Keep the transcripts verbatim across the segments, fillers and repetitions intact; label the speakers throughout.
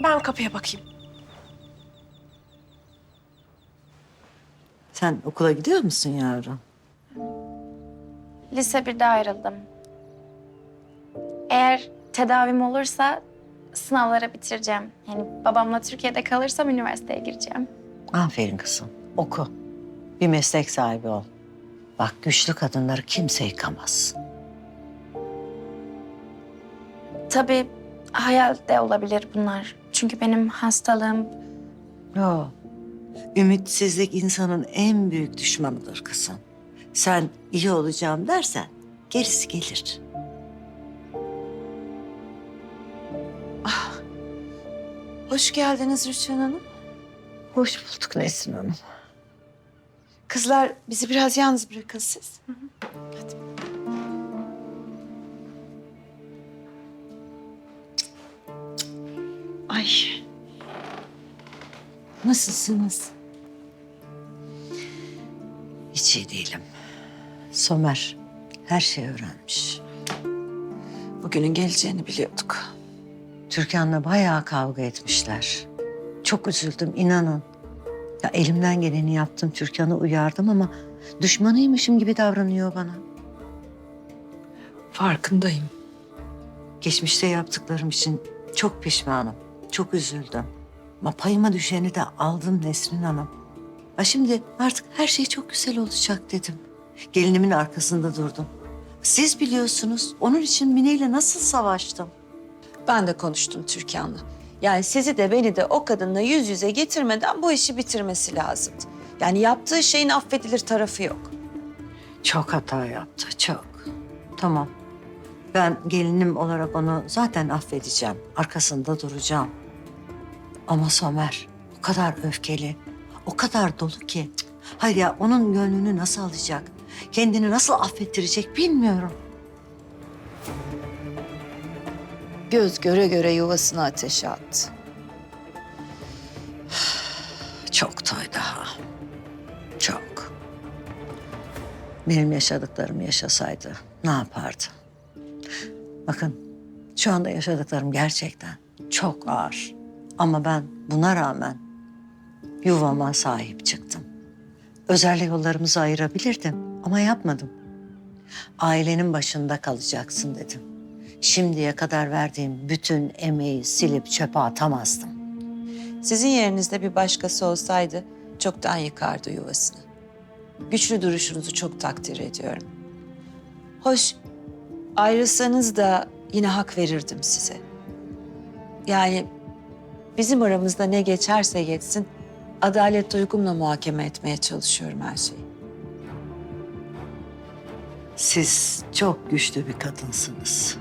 Speaker 1: Ben kapıya bakayım.
Speaker 2: Sen okula gidiyor musun yavrum?
Speaker 3: Lise birde ayrıldım. Eğer tedavim olursa sınavlara bitireceğim. Yani babamla Türkiye'de kalırsam üniversiteye gireceğim.
Speaker 2: Aferin kızım. Oku. Bir meslek sahibi ol. Bak güçlü kadınları kimse yıkamaz.
Speaker 3: Tabii hayal de olabilir bunlar. Çünkü benim hastalığım
Speaker 2: Yo. Ümitsizlik insanın en büyük düşmanıdır kızım. Sen iyi olacağım dersen gerisi gelir.
Speaker 4: Hoş geldiniz Rüçhan Hanım.
Speaker 2: Hoş bulduk Nesrin Hanım.
Speaker 4: Kızlar bizi biraz yalnız bırakın siz. Hadi. Ay.
Speaker 2: Nasılsınız? Hiç iyi değilim. Somer her şeyi öğrenmiş.
Speaker 4: Bugünün geleceğini biliyorduk.
Speaker 2: Türkan'la bayağı kavga etmişler. Çok üzüldüm inanın. Ya elimden geleni yaptım, Türkan'ı uyardım ama düşmanıymışım gibi davranıyor bana.
Speaker 4: Farkındayım.
Speaker 2: Geçmişte yaptıklarım için çok pişmanım, çok üzüldüm. Ama payıma düşeni de aldım Nesrin Hanım. Ha şimdi artık her şey çok güzel olacak dedim. Gelinimin arkasında durdum. Siz biliyorsunuz onun için Mine ile nasıl savaştım.
Speaker 5: Ben de konuştum Türkan'la. Yani sizi de beni de o kadınla yüz yüze getirmeden bu işi bitirmesi lazımdı. Yani yaptığı şeyin affedilir tarafı yok.
Speaker 2: Çok hata yaptı, çok. Tamam. Ben gelinim olarak onu zaten affedeceğim. Arkasında duracağım. Ama Somer o kadar öfkeli, o kadar dolu ki. Hayır ya onun gönlünü nasıl alacak? Kendini nasıl affettirecek bilmiyorum.
Speaker 5: Göz göre göre yuvasını ateşe attı.
Speaker 2: Çok toy daha. Çok. Benim yaşadıklarımı yaşasaydı ne yapardı? Bakın şu anda yaşadıklarım gerçekten çok ağır. Ama ben buna rağmen yuvama sahip çıktım. Özel yollarımızı ayırabilirdim ama yapmadım. Ailenin başında kalacaksın dedim. Şimdiye kadar verdiğim bütün emeği silip çöpe atamazdım.
Speaker 5: Sizin yerinizde bir başkası olsaydı çoktan yıkardı yuvasını. Güçlü duruşunuzu çok takdir ediyorum. Hoş, ayrılsanız da yine hak verirdim size. Yani bizim aramızda ne geçerse geçsin, adalet duygumla muhakeme etmeye çalışıyorum her şeyi.
Speaker 2: Siz çok güçlü bir kadınsınız.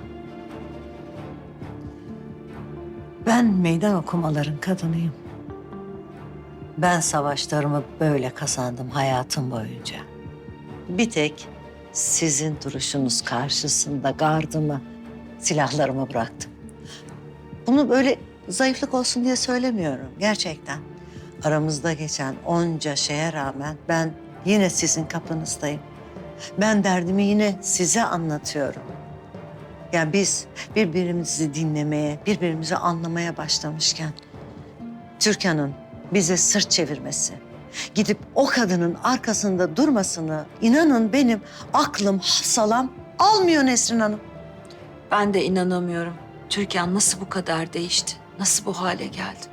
Speaker 2: Ben meydan okumaların kadınıyım. Ben savaşlarımı böyle kazandım hayatım boyunca. Bir tek sizin duruşunuz karşısında gardımı, silahlarımı bıraktım. Bunu böyle zayıflık olsun diye söylemiyorum gerçekten. Aramızda geçen onca şeye rağmen ben yine sizin kapınızdayım. Ben derdimi yine size anlatıyorum. Yani biz birbirimizi dinlemeye, birbirimizi anlamaya başlamışken Türkan'ın bize sırt çevirmesi, gidip o kadının arkasında durmasını inanın benim aklım, hafsalam almıyor Nesrin Hanım.
Speaker 5: Ben de inanamıyorum. Türkan nasıl bu kadar değişti? Nasıl bu hale geldi?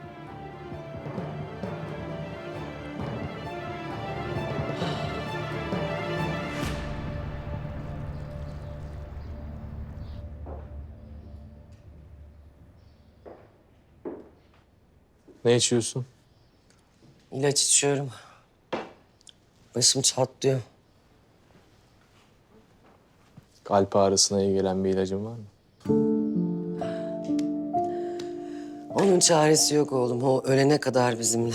Speaker 6: Ne içiyorsun?
Speaker 7: İlaç içiyorum. Başım çatlıyor.
Speaker 6: Kalp ağrısına iyi gelen bir ilacın var mı?
Speaker 7: Onun çaresi yok oğlum. O ölene kadar bizimle.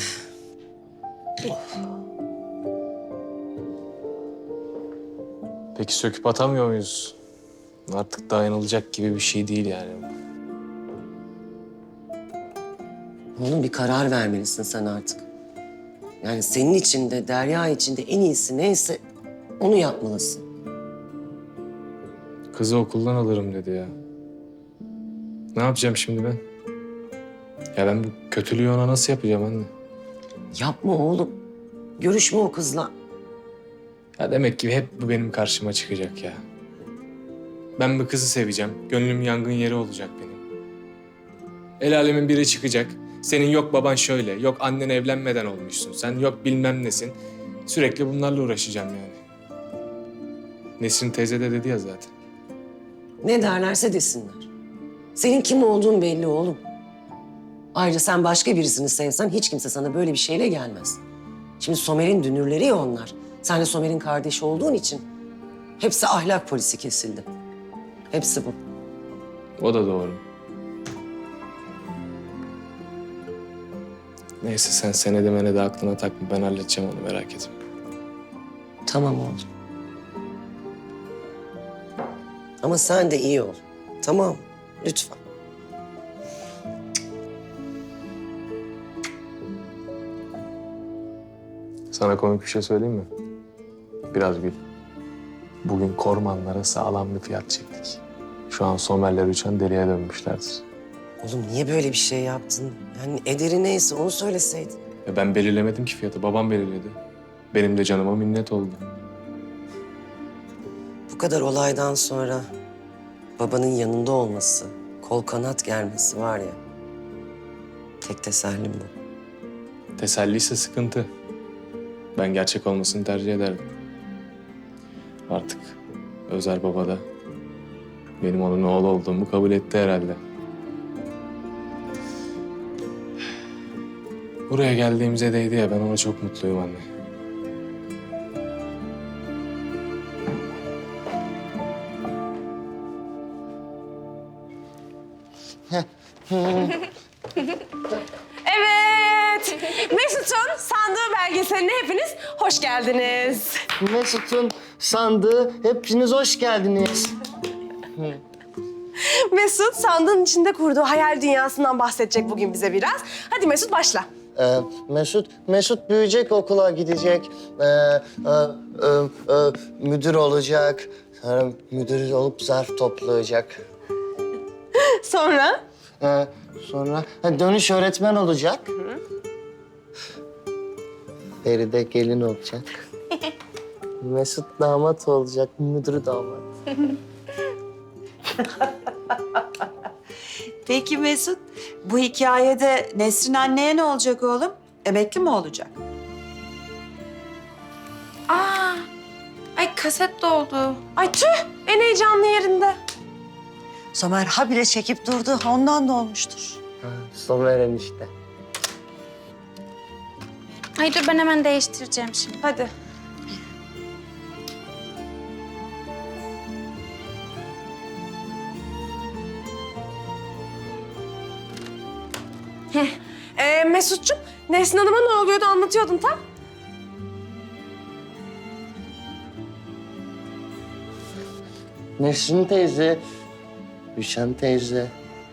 Speaker 6: Peki söküp atamıyor muyuz? Artık dayanılacak gibi bir şey değil yani.
Speaker 7: Oğlum bir karar vermelisin sen artık. Yani senin için de Derya için de en iyisi neyse onu yapmalısın.
Speaker 6: Kızı okuldan alırım dedi ya. Ne yapacağım şimdi ben? Ya ben bu kötülüğü ona nasıl yapacağım anne?
Speaker 7: Yapma oğlum. Görüşme o kızla.
Speaker 6: Ya demek ki hep bu benim karşıma çıkacak ya. Ben bu kızı seveceğim. Gönlüm yangın yeri olacak benim. El alemin biri çıkacak. Senin yok baban şöyle, yok annen evlenmeden olmuşsun. Sen yok bilmem nesin. Sürekli bunlarla uğraşacağım yani. Nesrin teyze de dedi ya zaten.
Speaker 7: Ne derlerse desinler. Senin kim olduğun belli oğlum. Ayrıca sen başka birisini sevsen hiç kimse sana böyle bir şeyle gelmez. Şimdi Somer'in dünürleri ya onlar. Sen de Somer'in kardeşi olduğun için hepsi ahlak polisi kesildi. Hepsi bu.
Speaker 6: O da doğru. Neyse sen senede menede aklına takma. Ben halledeceğim onu, merak etme.
Speaker 7: Tamam oğlum. Ama sen de iyi ol. Tamam, lütfen.
Speaker 6: Sana komik bir şey söyleyeyim mi? Biraz gül. Bugün kormanlara sağlam bir fiyat çektik. Şu an Somerler uçan deliye dönmüşlerdir.
Speaker 7: Oğlum niye böyle bir şey yaptın? Yani ederi neyse onu söyleseydin.
Speaker 6: Ya ben belirlemedim ki fiyatı, babam belirledi. Benim de canıma minnet oldu.
Speaker 7: Bu kadar olaydan sonra babanın yanında olması, kol kanat germesi var ya. Tek tesellim bu.
Speaker 6: Teselliyse sıkıntı. Ben gerçek olmasını tercih ederdim. Artık Özer baba da benim onun oğlu olduğumu kabul etti herhalde. Buraya geldiğimize değdi ya, ben ona çok mutluyum anne.
Speaker 1: Evet. Mesut'un sandığı belgeseline hepiniz hoş geldiniz.
Speaker 8: Mesut'un sandığı, hepiniz hoş geldiniz.
Speaker 1: Mesut sandığın içinde kurduğu hayal dünyasından bahsedecek bugün bize biraz. Hadi Mesut başla.
Speaker 8: Ee, Mesut, Mesut büyüyecek, okula gidecek, ee, e, e, e, müdür olacak, sonra müdür olup zarf toplayacak.
Speaker 1: Sonra?
Speaker 8: Ee, sonra ha, dönüş öğretmen olacak. Feride gelin olacak. Mesut damat olacak, müdür damat.
Speaker 4: Peki Mesut, bu hikayede Nesrin anneye ne olacak oğlum? Emekli mi olacak?
Speaker 3: Aa, ay kaset doldu.
Speaker 1: Ay tüh en heyecanlı yerinde.
Speaker 2: Somer habire çekip durdu. Ondan da olmuştur.
Speaker 8: Ha, Somer enişte.
Speaker 3: Ay dur ben hemen değiştireceğim şimdi.
Speaker 1: Hadi. Ee, Mesut'cum, Nesrin Hanım'a ne oluyordu anlatıyordun tam.
Speaker 8: Nesrin teyze, Gülşen teyze.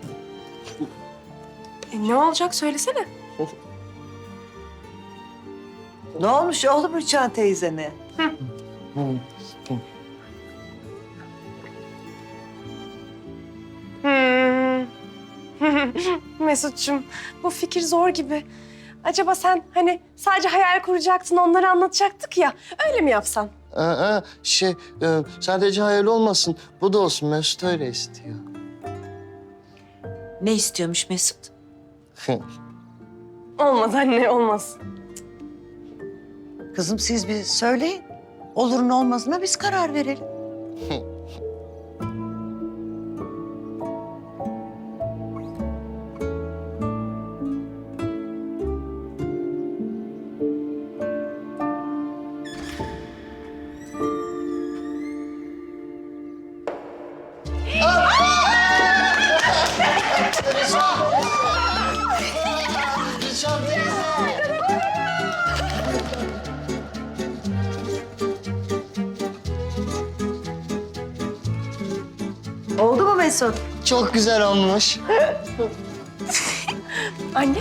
Speaker 1: E, ne olacak söylesene.
Speaker 2: Ne olmuş oğlum Rüçhan teyzene?
Speaker 1: Hmm. Mesut'cum, bu fikir zor gibi. Acaba sen hani sadece hayal kuracaktın, onları anlatacaktık ya. Öyle mi yapsan?
Speaker 8: Aa, şey, e, sadece hayal olmasın. Bu da olsun. Mesut öyle istiyor.
Speaker 4: Ne istiyormuş Mesut?
Speaker 1: Olmaz anne, olmaz.
Speaker 2: Kızım siz bir söyleyin. Olurun olmazına biz karar verelim. Oldu mu Mesut?
Speaker 8: Çok güzel olmuş.
Speaker 1: Anne.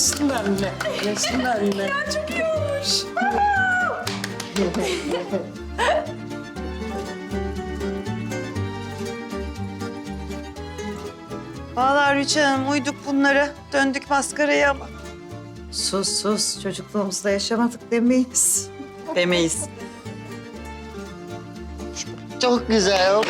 Speaker 7: Yaşın anne. Yaşın anne.
Speaker 1: Çok iyi olmuş.
Speaker 4: Vallahi Rüçhan Hanım uyduk bunlara. Döndük maskaraya ama.
Speaker 2: Sus sus çocukluğumuzda yaşamadık demeyiz.
Speaker 4: Demeyiz.
Speaker 8: Çok güzel.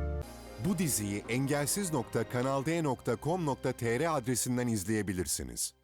Speaker 9: Bu diziyi engelsiz nokta kanal d nokta com nokta tr adresinden izleyebilirsiniz.